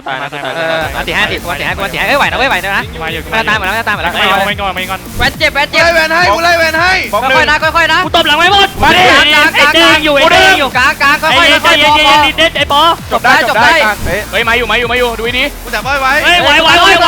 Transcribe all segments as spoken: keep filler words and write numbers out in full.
ตายนะตายเอออันตีห้าสิบอันตีห้ากูอันตีห้าเอ้ยไหวนะเว้ยไหวนะมาอยู่มาตามหมดแล้วตามหมดแล้วไม่ก่อนไม่ก่อนไม่ก่อนแวนเจ็บแวนเจ็บไล่แวนให้กูไล่แวนให้ค่อยๆนะค่อยๆนะกูตบหลังไม่หมดมาดิกลางกลางกลางเด้งอยู่เด้งอยู่กลางกลางค่อยๆไอ้ค่อยเย็นๆเย็นพอเย็นเด็ดไอ้ปอจบได้จบได้เฮ้ยมาอยู่มาอยู่มาอยู่ดูดีกูจับไว้ไว้เฮ้ยไหวไหวไหวไหว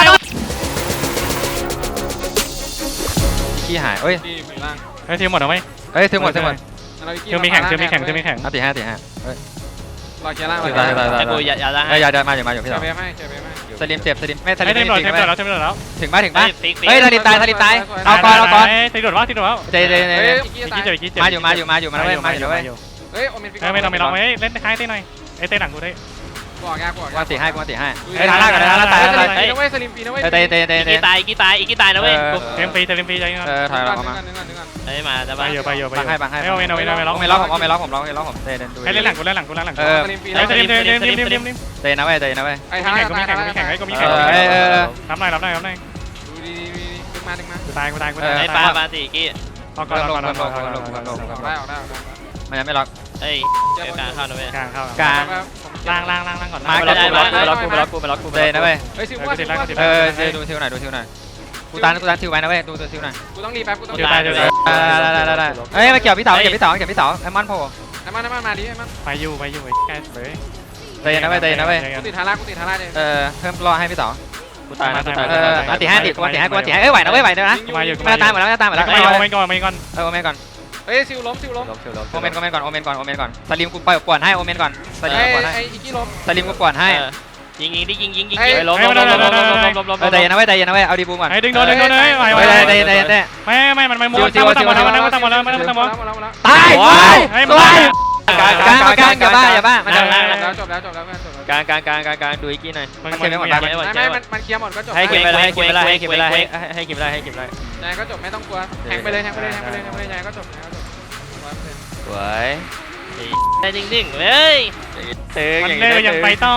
ขี้หายเอ้ยเฮ้ยทีมหมดหรือไม่เอ้ยถึงหมดถึงหมดเธอมีแข่งเธอมีแข่งเธอมีแข่งอันตีห้าตีห้าเอ้ยรอเคลียร์ล่างได้ได้ได้ไอ้กูอย่าอย่าละเอ้ยอย่าเดินมาอย่ามาอยู่พี่เจต่ออเบฟให้เจอเบฟให้สลิมเจ็บสลิมไม่สลิเฮ้ยมทีมหมดจริงทีมไหหมมดแล้วทีมหมดแล้วถึงป่ะถึงป่ะฟิกเฮ้ยสลิมตายสลิมตายเอาก่อนเอาก่อนทีมหมดว่าทีมหมดแล้วเจเจเจเฮ้ยอีกกี้เจ็บอีกกี้เจ็บมาอยู่มาอยู่มาอยู่มาเว้ยมาอยู่เว้ยเฮ้ยโอเมนฟิกเฮ้ยไม่ต้องไม่ต้องไม่เล่นคล้ายเต้หน่อยไอ้เต้หนังกูได้กวาดยากกวาดกูอันตีห้ากูอันตีห้าเฮ้เฮ้ยยทาทาร่าร่ากักัน นทาทาร่าร่าตาตาย ยนะเว้ยสลิมปีนะเว้ยเตะเตะเตะอีเตะกตายอีกตายอีกตายนะเว้ยเต็มฟรีเต็มฟรีใจเงินเออถอยออกมานึงก่อนนึงก่อนไอ้มาจะไปมาอยู่ไปอยู่ไปบังให้บังให้ไม่เอาไม่เอาไม่เอาไม่ล็อกไม่ล็อกผมเอาไม่ล็อกผมล็อกไม่ล็อกผมเตะเดินดูให้เล่นหลังกูเล่นหลังกูเล่นหลังเออสลิมปีเฮ้ยเต็มเต็มเต็มเต็มเต็มเต็มเตะนะเว้ยเตะนะเว้ยไอ้มีทาร่าแข่งกูมีตายแข่งทากูร่ามีแข่งกูมีแข่งเออเออเออรับหน่อยรับหน่อยรับหน่อยดูดีดีดึงมาดึงมากูตายกูตายกูตายไอ้ปลาปลาตีกี้เอาก่อนเอาก่อนเอาก่อนเอาก่อนออกได้ออกได้ออกได้มันยังไม่ล็อกเฮ้ยเดี๋ยวกลางเข้านะเว้ยกลางเข้ากลางล่างล่างล่างล่างก่อนมาไม่ได้มาไม่ล็อกกูไม่ล็อกกูไม่ล็อกกูเตะนะเว้ยเฮ้ยซิวว่าซิวว่าเออดูทิวหน่อยดูทิวหน่อยกูตานกูตานทิวไว้นะเว้ยดูตัวทิวหน่อยกูต้องรีแป๊บกูต้องเดี๋ยวตายเดี๋ยวตายได้ได้ได้ได้เฮ้ยมาเกี่ยวพี่เสาเกี่ยวพี่เสาเกี่ยวพี่เสาไอ้มันโผล่ไอ้มันไอ้มันมาดิไอ้มันไปอยู่ไปอยู่ใกล้เลยเตะนะเว้ยเตะนะเว้ยกูติดทาร่ากูติดทาร่าเลยเออเพิ่มรอให้พี่เสากูตายนะกูตายเอออันตีห้าดิกูอันตีห้ากูอันตีห้าเอ้ยไหวนะเว้ยไหวนะมาอยู่ไม่ตามหมดแล้วไม่ตามหมดแล้วไม่ก่อนไม่ก่อนไม่ก่อนเออโอเมนก่อนเฮ้ยซิวล้มซิวล้มโอเมนโอเมนก่อนโอเมนก่อนโอเมนก่อนสลิมกูปล่อยกวนให้โอเมนก่อนสลิมไอ้กูกวนให้ไอ้อีกี้ล้มสลิมกูกวนให้ยิงยิงดิยิงยิงยิงไอ้ล้มล้มล้มล้มล้มล้มล้มล้มเออใจเย็นนะเว้ยใจเย็นนะเว้ยเอาดีบูมก่อนไอ้ดึงโดนดึงโดนเลยไหวไหวเฮ้ยใจเย็นใจเย็นใจเย็นไม่ไม่มันไม่ม้วนตั้งตั้งหมดแล้วตั้งหมดแล้วตั้งหมดแล้วตั้งหมดแล้วตายเฮ้ยสวยกลางกลางกลางอย่าบ้าอย่าบ้ามันจะแล้วจบแล้วจบแล้วจบแล้วกลางกลางกลางกลางกลางดูอีกกี้หน่อยมันมันเขียนไม่หมดมันไม่ไม่มันมันเคลียร์หมดก็จบให้เก็บไปให้เก็บไปให้เก็บไปให้ให้เก็บไปให้เก็บไปนายก็จบไม่ต้องกลัวแทงไปเลยแทงไปเลยแทงไปเลยแทงไปเลยนายก็จบนายก็จบสวยได้จริงจริงเฮ้ยตึงมันอย่างเล่นี้นยังไปต่อ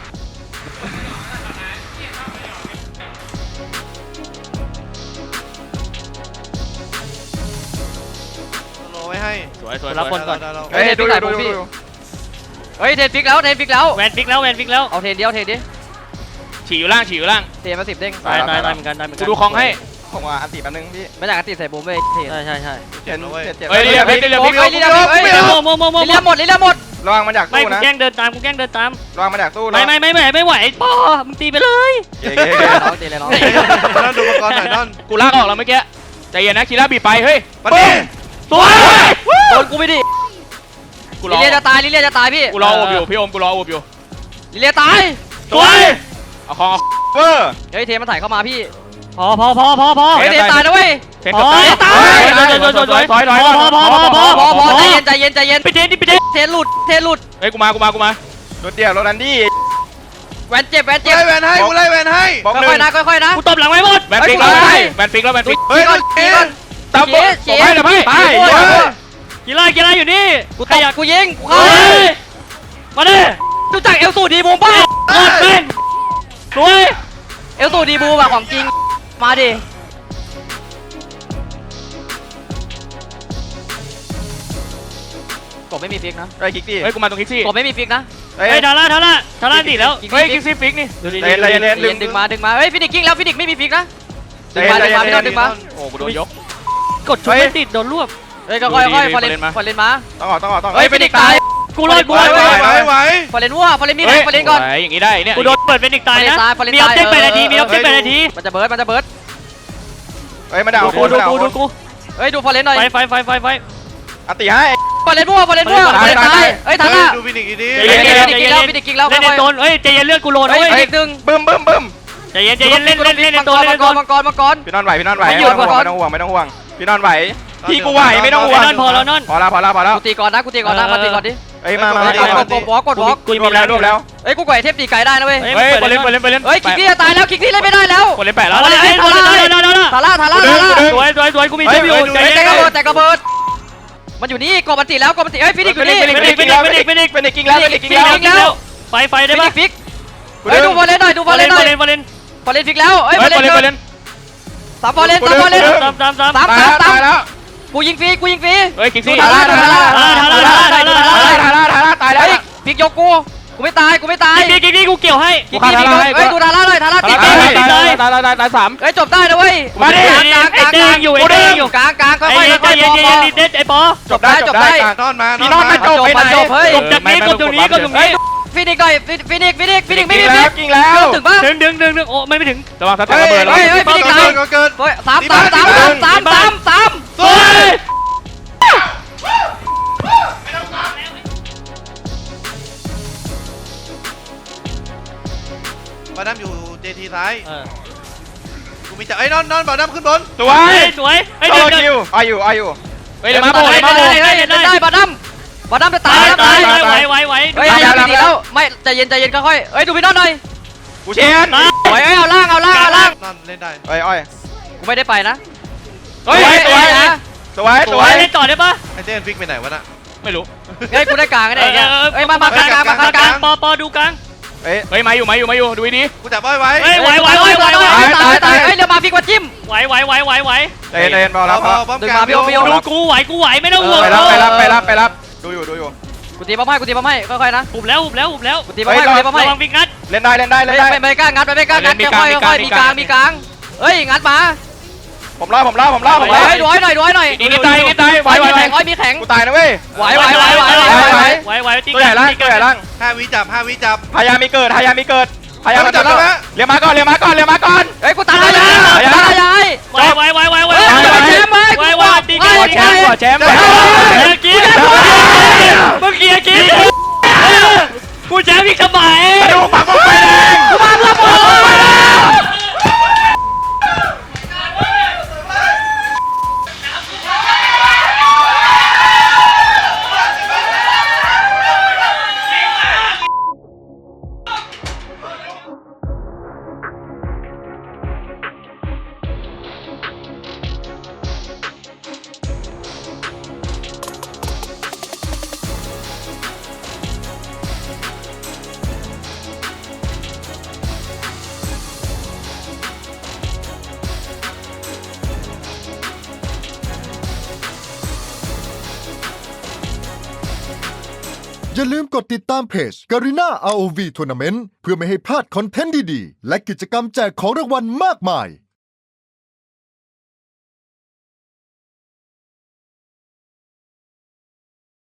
โลไว้ให้สวยสวยรับบอลก่อนเฮ้ยดูดูดูดูเฮ้ยเทนฟิกแล้วเทนฟิกแล้วแวนฟิกแล้วแวนฟิกแล้วเอาเทนเดียวเทนดิฉี่อยู่ล่างฉี่อยู่ล่างเทนมาสิบเด้งตายตายตายเหมือนกันตายเหมือนกูกันดูคลองให้ผมว่าอันติแป๊บนึงพี่ไม่อยากติดใส่บูมเลยเทนใช่ใช่ใช่เจ็ดเจ็ดเจ็ดเฮ้ยเรียบเรียบเรียบโอ้ยลีลาเฮ้ยโมโมโมโมลีลาหมดลีลาหมดระวังมาจากไม่ตู้กูนะแกล้งเดินตามกูแกล้งเดินตามระวังมาจากตู้ไม่ไม่ไม่ไม่ไม่ไหวปอมึงตีไปเลยเก๋เก๋เก๋น้องตีเลยน้องนั่นดูก่อนหน่อยนั่นกูลากออกแล้วเมื่อกี้ใจเย็นนะคีร่าบีบไปเฮ้ยมาดิสวยโดนกูไปดิกูรลิอเลียจะตายลิเลียจะตายพี่กูรอโอบอยู่พี่โอมกูรอโอบอยู่ลิเลียตายสวยเอาคองเวอร์เฮ้ยเทนมันถ่ายเข้ามาพี่พอพอพอพอพอเฮ้ยเทนตายนะเว้ยเทนตายสวยสวยสวยสวยพอพอพอพอพอพอใจเย็นใจเย็นใจเย็นไปเทนดิไปเทนเทนหลุดเทนหลุดเฮ้ยกูมากูมากูมารถเดียวรถอันดี้แวนเจ็บแวนเจ็บไล่แวนให้กูไล่แวนให้บอกหนึ่ค่อยงๆนะค่อยๆนะกูตบหลังไม่หมดแบนฟิกแล้วแบนฟิกแล้วแบนฟิกเฮ้ยก่อนขี่ก่อนตามบอลชี้ให้เดี๋ยวพี่ไปกีฬากีฬาอยู่นี่กูตบกูยิงกูเข้ามาดิรู้จักเอลสูดีบูมป่ะหมดเป็นสวยเอลสูดีบูมอะของจริงมาดิกบไม่มีฟิกนะไอ้คิกซี่เฮ้ยกูมาตรงคิกซี่กบไม่มีฟิกนะเฮ้ยเฮ้ยทาร่าทาร่าทาร่าติดแล้วเฮ้เฮ้ยยคิกซี่ฟิกนี่ดูดิเล่นเล่นเล่นเย็นดึงมาดึงมาเฮ้ยฟินิกกิ้งแล้วฟินิกไม่มีฟิกนะดึงมาใจดึงเย็มาน ไม่ต้องดึงมาโอ้กูโดนยกกดชุดไม่ติดโดนรวบเฮ้ยก็ค่อยค่อยดูดิฟอร์เรนฟอร์เรนมาฟอร์เรนมาต้องออกต้องออกต้องออกเฮ้ยฟินิกตายกูรอดกูรอดไหวไหวไหวฟอร์เรนวัวฟอร์เรนมีแรงฟอร์เรนก่อนอย่างงี้ได้เนี่ยกูโดนเปิดเป็นอีกตายนะฟอร์เรนมีตาอย อบเจกต์แปดนาทีมีออบเจกต์แปดนาทีมันจะเบิร์ดมันจะเบิร์ดเฮ้ยมาด่าดูโคกูนดูมาด่ากูโคดูนกูเฮ้ยดูฟอร์เรนหน่อยไฟไฟไฟไฟไฟอันติให้ฟอร์เรนวัวฟอร์เรนวัวฟอร์เรนตายเฮ้ยทันละดูฟินิกอีกทีฟินิกกิ้งแล้วฟินิกกิ้งแล้วเล่นในโซนเฮ้ยใจเย็นเลือดกูโลนเฮ้ยเว้ยฟินิกดึงบึ้มบึ้มบึ้มใจเย็นใจเย็นเล่นเล่นเล่นในมังโซกนรเล่นมัในงโซกรนมังกรมังกรพี่นอนไหวพี่นอนไหวไม่ไม่หยุดต้องห่วงไม่ต้องห่วงพี่นอนไหวพี่กูไหวไม่ต้องห่วงนอนพอแล้วนอนพอแล้วพอแล้วพอแล้วกูตีก่อนนะกูตีก่อนนะมาตีก่อนดิเฮ้ยมามากดกดวอล์กกดวอล์กกูรวมแล้วรวมแล้วเฮ้ยกูกดไอเทปตีไก่ได้นะเว้ยเฮ้ยไปเล่นไปเล่นไปเล่นเฮ้ยคิกซี่จะตายแล้วคิกซี่เล่นไม่ได้แล้วกดเล่นแปดแล้วเฮ้ยได้ได้ได้ได้ทาร่าทาร่าทาร่าสวยสวยสวยกูมีเทปอยู่ใจเฮ้ยเย็นแต่กระเบิดแต่กระเบิดมันอยู่นี่กดมันติแล้วกดมันติเฮ้ยฟินิกอยู่นี่เป็นอีกเป็นอีกเป็นอีกเป็นอีกเป็นอีกกิ้งแล้วเป็นอีกกิ้งฟิแล้วกแล้วไฟไฟได้ฟิปะนิกฟิกเฮ้ยดูฟอร์เรนหน่อยดูฟอร์เรนหน่อยเล่นเล่นฟอร์เรนฟิกแล้วเฮ้ยเฮ้ฟอย ร์เรนเล่นเล่นสามฟอร์เรนสามฟอร์เรนตามตามตามสามตายสามแล้วสามตายแล้วกูยิงฟรีกูยิงฟรีเฮ้ยคิกซี่ทาร่าทาร่าทาร่าทาร่าทาร่าทาร่าทาร่าตายแล้วเฮ้ยฟิกยกกูกูไม่ตายกูไม่ตายกิ๊กกิ๊กกิ๊กกูเกี่ยวให้กี่กี่กี่เฮ้ยดูทาร่าหน่อยทาร่าตีตายตีตายตายตายตายตายสามเฮ้ยจบได้นะเว้ยมาดิกลางกลางกไอ้ลางเด้งอยู่ไอ้เด้งอยู่กลางกลางค่ไอ้อยๆค่อยเย็นๆเย็นพอเย็นเด็ดไอ้ปอจบได้จบได้กลางนอนมานพี่อนนอนมามาจบไปไหนจบเฮ้ยกบจากนี้กบตรงนี้กบตรงนี้ฟินิกหน่อยฟินิกฟินิกฟินิกกิฟิงนิกแล้วกิงแล้วถึงปะดึงดึงดึงดึงโอ้ไม่ไม่ถึงระวังทัดระเบิดแล้วเฮ้ยเฮ้ยฟินิกตายเกินเกินเฮ้ยสามสามสามสามสามสามสามสวยบอดัมอยู่เจทีซ้ายกูมีจะเอ้ยนอนนอนบอดัมขึ้นบนสวยสวยไอ้โซเด็กโลคิวอายุอายุเฮ้ยเดี๋ยวมาโบได้เดี๋ยวมาโบได้ได้ได้บอดัมบอดัมจะตาตาย ยแล้วตาตาย ยไหวไหวไหวเฮ้ยยาดีแล้วไม่ใจเย็นใจเย็นค่อยๆเฮ้ยดูพี่น้องหน่อยกูเชนโอ้ยเอาล่างเอาล่างเอาล่างนอนเล่นได้เฮ้ยอ้อยกูไม่ได้ไปนะสวยสวยนะสวยสวยเล่นต่อได้ปะไอเจนฟิกไปไหนวะน่ะไม่รู้เฮ้ยกูได้กลางกันเองเฮ้ยมามากลางกลางมากลางกลางปอปอดูกลางเฮ้ยเฮ้ยมาอยู่มาอยู่มาอยู่ดูดีกูจับอ้อยไว้เฮ้ยไหวไหวไหวไหวไหวตายตายเฮ้ยเดี๋ยวมาพี่กว่าจิ้มไหวไหวไหวไหวไหวเต้นเต้นบอลแล้วพอป้อมดึงกลางมาพี่โอพี่โอดูกูไหวกูไหวไม่ต้องห่วงไปรับไปรับไปรับไปรับดูอยู่ดูอยู่กูตีป้อมให้กูตีป้อมให้ค่อยๆนะหุบแล้วหุบแล้วหุบแล้วกูตีป้อมให้กูตีป้อมให้ระวังวิ่งงัดเล่นได้เล่นได้เล่นไม่ได้ไม่ไม่กล้างัดไม่กล้างัดค่อยๆค่อยๆมีกลางมีกลางเฮ้ยงัดมาผมล่าผมล่าผมล่าผมล่าเฮ้ยดูให้หน่อยดูให้หน่อยอีกนิดตายอีกนิดตายไหวไหวมีไหวแข็งอ้อยมีแข็งกูตายนะเว้ยไหวไหวไหวไหวไหวไหวไหวไหวตีตัวใหญ่ล่างตัวใหญ่ล่างห้าวิจับห้าวิจับพยายามมีเกิดพยายามมีเกิดพยายามจับแล้วนะเรียกมาก่อนเรียกมาก่อนเรียกมาก่อนเฮ้ยกูตายแล้วตายแล้วไหวไหวไหวไหวไหวเฮ้ยจะไปแชมป์ไหมไหวไหวตีกันขอแชมป์ขอแชมป์กินเมื่อกี้กินกูแชมป์อีกสมัยดูปักลงไปแดงกูมาเพื่อมึงอย่าลืมกดติดตามเพจ Garena อาร์ โอ วี Tournament เพื่อไม่ให้พลาดคอนเทนต์ดีๆ และกิจกรรมแจกของรางวัลมากมาย